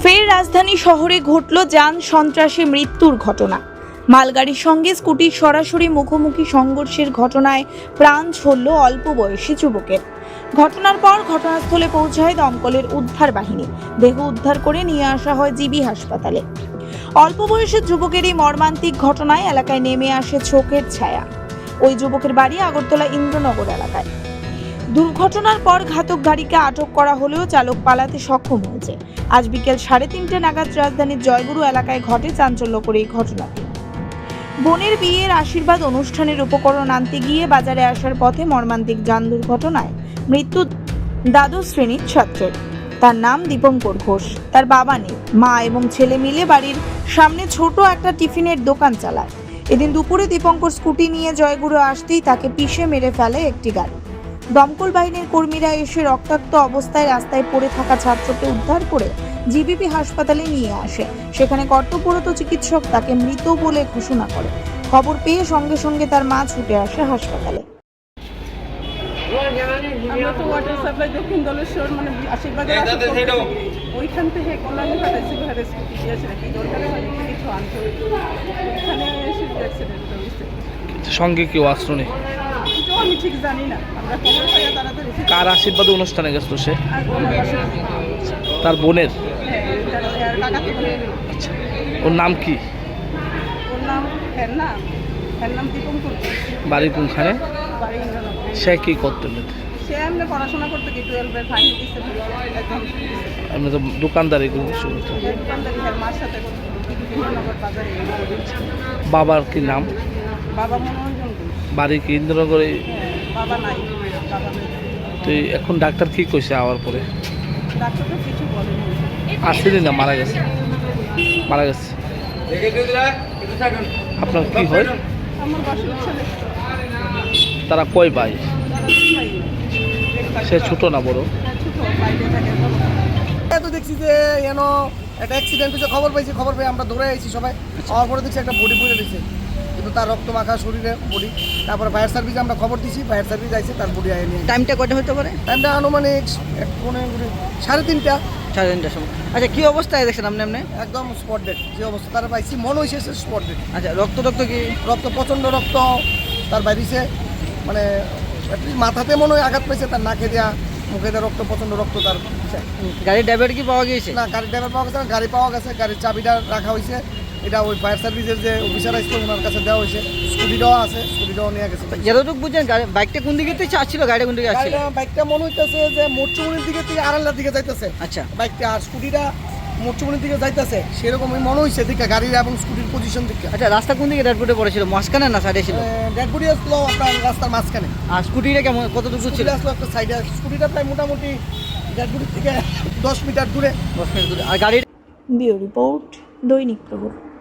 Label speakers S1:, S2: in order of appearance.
S1: ফের রাজধানী শহরে ঘটল যান সন্ত্রাসে মৃত্যুর ঘটনা। মালগাড়ির সঙ্গে স্কুটির সরাসরি মুখোমুখি সংঘর্ষের ঘটনায় প্রাণ ছড়ল অল্প বয়সী যুবকের। ঘটনার পর ঘটনাস্থলে পৌঁছায় দমকলের উদ্ধার বাহিনী। দেহ উদ্ধার করে নিয়ে আসা হয় জিবি হাসপাতালে। অল্প বয়সের যুবকের এই মর্মান্তিক ঘটনায় এলাকায় নেমে আসে শোকের ছায়া। ওই যুবকের বাড়ি আগরতলা ইন্দ্রনগর এলাকায়। দুর্ঘটনার পর ঘাতক গাড়িকে আটক করা হলেও চালক পালাতে সক্ষম হয়েছে। আজ বিকেল 3:30 নাগাদ রাজধানীর জয়গুরু এলাকায় ঘটে চাঞ্চল্যকর এই ঘটনাটি। বোনের বিয়ের আশীর্বাদ অনুষ্ঠানের উপকরণ আনতে গিয়ে বাজারে আসার পথে মর্মান্তিক যান দুর্ঘটনায় মৃত্যু দ্বাদশ শ্রেণীর ছাত্রের। তার নাম দীপঙ্কর ঘোষ। তার বাবা নেই, মা এবং ছেলে মিলে বাড়ির সামনে ছোট একটা টিফিনের দোকান চালায়। এদিন দুপুরে দীপঙ্কর স্কুটি নিয়ে জয়গুরু আসতেই তাকে পিষে মেরে ফেলে একটি গাড়ি। দমকল বাহিনীর কর্মীরা এসে রক্তাক্ত অবস্থায় রাস্তায় পড়ে থাকা ছাত্রকে উদ্ধার করে জিবিপি হাসপাতালে নিয়ে আসে। সেখানে কর্তব্যরত চিকিৎসক তাকে মৃত বলে ঘোষণা করে। খবর পেয়ে সঙ্গে সঙ্গে তার মা ছুটে আসে হাসপাতালে।
S2: আমরা তো ওয়াটার সাপ্লাই দক্ষিণ দলেশ্বর মানে আশীর্বাদের ওইখান থেকে কল্যাণী পাঠাইছি ঘরে স্কুটি দিয়েছে নাকি দরকারে হয় কিছু আনতে ওইখানে এসে অ্যাক্সিডেন্ট হয়েছে।
S3: সঙ্গে কেউ আসলো নেই?
S2: কিছু আমি ঠিক জানি না, আমরা খবর পাইয়া তাড়াতাড়ি
S3: কার আশীর্বাদে অনুষ্ঠানে গেছিল সে?
S2: আর বোন
S3: তার বোনের?
S2: হ্যাঁ তার কাকাতে বোনের।
S3: আচ্ছা, ওর নাম কি?
S2: ওর নাম হ্যার নাম দীপঙ্কর।
S3: বাড়ি কোনখানে?
S2: বাড়ি ইন্দ্রনগর।
S3: সে কি করতে?
S2: সে এমনি পড়াশোনা করতে কি 12-এর ফাইনাল দিচ্ছে একদম।
S3: আমি তো দোকানদারি করছি।
S2: দোকানদারি হ্যাঁ মার সাথে ইন্দ্রনগর বাজারে।
S3: বাবার কি নাম?
S2: বাবা মনোরঞ্জন ঘোষ।
S3: বাড়ি কি ইন্দ্রনগরে?
S2: বাবা নাই, বাবা নেই।
S3: তুই এখন ডাক্তার কি কইছে আওয়ার পরে?
S2: ডাক্তার তো কিছু বলেনি।
S3: আসেনি না, মারা গেছে? মারা গেছে। আপনার কি হয়?
S2: আমার বাসুর ছেলে।
S3: তারা কয় ভাই?
S2: ভাই
S3: সে ছোট না বড়?
S2: ছোট, বাইরে থাকে।
S4: তো দেখছি যে যেন একটা অ্যাক্সিডেন্ট হয়েছে, খবর পেয়ে আমরা দৌড়ে আইছি সবাই। হওয়ার পরে দেখছি একটা বডি পড়ে দিয়েছে, কিন্তু তার রক্ত মাখা শরীরে বডি। তারপরে ফায়ার সার্ভিসে আমরা খবর দিছি, ফায়ার সার্ভিস আইছে, তার বডি আয় নিয়ে।
S5: টাইমটা কটা হতে পারে?
S4: টাইমটা আনুমানিক 3:30
S5: 3:30টার সময়। আচ্ছা, কি অবস্থায় দেখছেন আপনি?
S4: একদম স্পট ডেট যে অবস্থা তারা পাইছি, মনে হয়েছে স্পট ডেট।
S5: আচ্ছা, রক্ত কি?
S4: রক্ত, প্রচণ্ড রক্ত তার বাইরেছে, মানে মাথাতে মনে হয় আঘাত পেয়েছে, তার নাকে দেওয়া, মুখে দেওয়া রক্ত, প্রচণ্ড রক্ত তার।
S5: গাড়ির ড্রাইভার কি পাওয়া গিয়েছে?
S4: না, গাড়ির ড্রাইভার পাওয়া গেছে না, গাড়ি পাওয়া গেছে, গাড়ির চাবিটা রাখা হয়েছে। এটা ওই ফায়ার সার্ভিসের যে অফিসার আসছে ওনার কাছে দেওয়া হয়েছে। স্কুটিটাও আছে, স্কুটিটাও নিয়ে গেছে।
S5: যতটুকু বুঝছেন বাইকটা কোন দিকে থেকে আসছিল, গাড়িটা কোন দিকে আসছিল?
S4: বাইকটা মনে হইতেছে যে মোটচুমনির দিকে থেকে আড়াল্লার দিকে যাইতেছে।
S5: আচ্ছা,
S4: বাইকটা আর স্কুটিটা মোটচুমনির দিকে যাইতেছে, সেরকমই মনে হয়েছে দিকে গাড়ির এবং স্কুটির পজিশন দিকে।
S5: আচ্ছা, রাস্তা কোন দিকে ড্যাডবোর্ডে পড়েছিল, মাঝখানে না সাইডে ছিল?
S4: ড্যাডবডি আসলো আপনার রাস্তার মাঝখানে।
S5: আর স্কুটিটা কেমন, কতটুকু ছিল?
S4: আসলো একটা সাইডে, স্কুটিটা প্রায় মোটামুটি ড্যাডবডি থেকে 10 মিটার দূরে।
S5: 10 মিনিট দূরে। আর গাড়ির
S1: ব্যুরো রিপোর্ট, দৈনিক প্রহর।